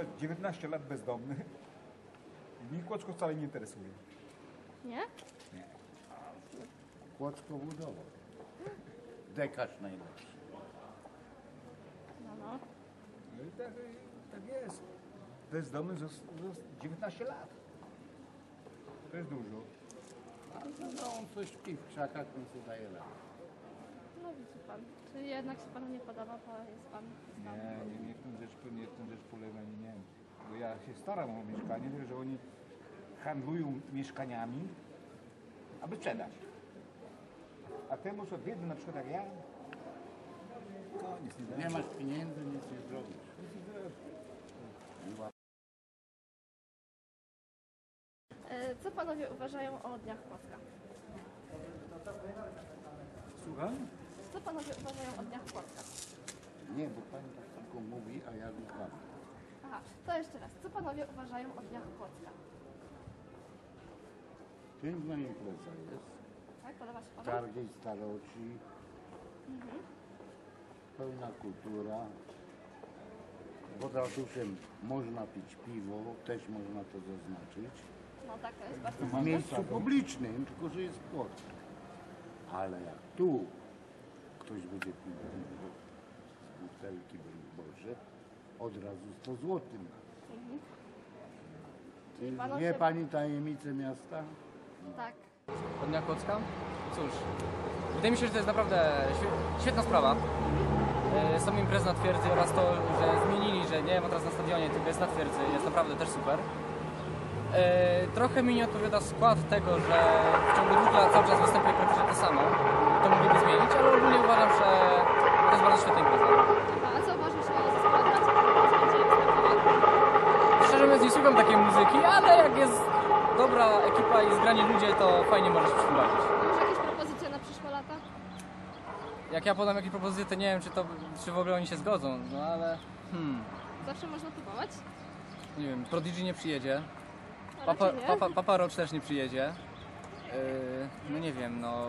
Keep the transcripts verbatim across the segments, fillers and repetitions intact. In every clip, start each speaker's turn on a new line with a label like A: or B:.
A: dziewiętnaście lat bezdomny. Mnie Kłodzko wcale nie interesuje.
B: Nie?
A: Nie.
C: Kłodzko budował. Dekarz najlepszy.
B: No, no.
A: No i tak, tak jest. Bezdomny z, z dziewiętnaście lat. To jest dużo.
C: A no, on coś śpi w krzakach, więc sobie daje radę.
B: No widzi pan. Czyli jednak się panu nie podoba, bo jest pan
A: Nie,
B: bezdomny.
A: nie, nie w tym rzecz, nie w tym rzecz polega, nie, nie. Bo ja się staram o mieszkanie, tylko że oni handlują mieszkaniami, aby sprzedać. A temu co biedny, na przykład jak ja, no nic nie da.
C: Nie masz pieniędzy, nic nie zrobisz.
B: E, Co panowie uważają o Dniach Kłodzka?
A: Słucham?
B: Co panowie uważają o Dniach Kłodzka?
C: Nie, bo pani tak tylko mówi, a ja słucham.
B: Aha, to jeszcze raz. Co panowie uważają o Dniach Kłodzka?
C: Piękna impreza jest.
B: Tak, podoba się panu?
C: Targi staroci. Pełna kultura. Pod ratuszem można pić piwo, też można to zaznaczyć.
B: No tak, to jest bardzo
C: W
B: ważne.
C: miejscu publicznym, tylko że jest płot. Ale jak tu ktoś będzie pił piwo z butelki, Boże, od razu sto złotych.
B: Mhm. Czyli
C: Wie
B: panowie...
C: pani tajemnicę miasta?
B: Tak.
D: Od Dnia Kłodzka? Cóż, wydaje mi się, że to jest naprawdę świe- świetna sprawa. E, Sam imprez na twierdzy oraz to, że zmienili, że nie ma teraz na stadionie, tylko jest na twierdzy, jest naprawdę też super. E, Trochę mi nie odpowiada skład tego, że w ciągu dwóch lat cały czas występuje praktycznie to samo. To mogliby zmienić, ale ogólnie uważam, że to jest bardzo świetna impreza.
B: A co uważasz o zespole braci, który będzie występował?
D: Szczerze mówiąc nie słucham takiej muzyki, ale jak jest dobra ekipa i zgrani ludzie, to fajnie może się współbawić.
B: Może jakieś propozycje na przyszłe lata?
D: Jak ja podam jakieś propozycje, to nie wiem, czy, to, czy w ogóle oni się zgodzą, no ale... Hmm,
B: Zawsze można próbować.
D: nie wiem, Prodigy nie przyjedzie,
B: A
D: Papa,
B: raczej nie.
D: Papa, Papa Roach też nie przyjedzie. Yy, no nie wiem, no...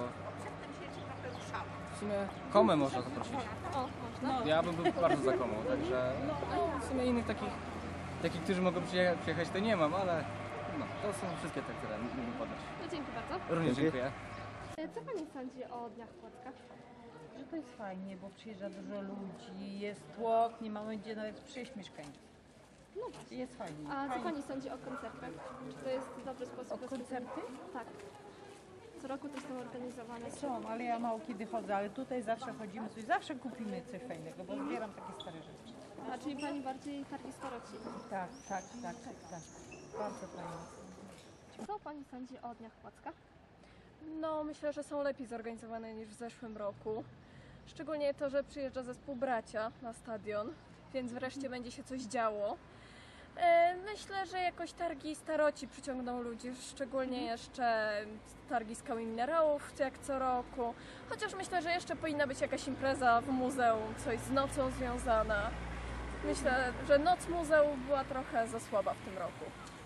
D: W sumie Komę można zaprosić.
B: O, można.
D: Ja bym był bardzo za Komą, także... No, w sumie innych takich, takich, którzy mogą przyjecha- przyjechać, to nie mam, ale... No, to są wszystkie te, które mógłbym podać.
B: No dzięki bardzo.
D: Również dziękuję.
B: E, Co pani sądzi o Dniach Kłodzka?
E: Że to jest fajnie, bo przyjeżdża dużo ludzi, jest tłok, nie mamy gdzie nawet przyjść mieszkańców.
B: No właśnie.
E: Jest fajnie.
B: A co
E: fajnie.
B: pani sądzi o koncertach? Czy to jest dobry sposób?
E: O
B: na
E: koncerty?
B: Tak. Co roku też są organizowane.
E: Są, ale ja mało kiedy chodzę, ale tutaj zawsze chodzimy coś, zawsze kupimy coś fajnego, bo zbieram takie stare rzeczy.
B: A czyli pani bardziej targi staroci?
E: Tak, tak, tak, tak, tak. Bardzo fajnie.
B: Co pani sądzi o Dniach Kłodzka?
F: No, myślę, że są lepiej zorganizowane niż w zeszłym roku. Szczególnie to, że przyjeżdża zespół Bracia na stadion, więc wreszcie będzie się coś działo. E, Myślę, że jakoś targi staroci przyciągną ludzi, szczególnie jeszcze targi skały i minerałów, jak co roku. Chociaż myślę, że jeszcze powinna być jakaś impreza w muzeum, coś z nocą związana. Myślę, że noc muzeów była trochę za słaba w tym roku.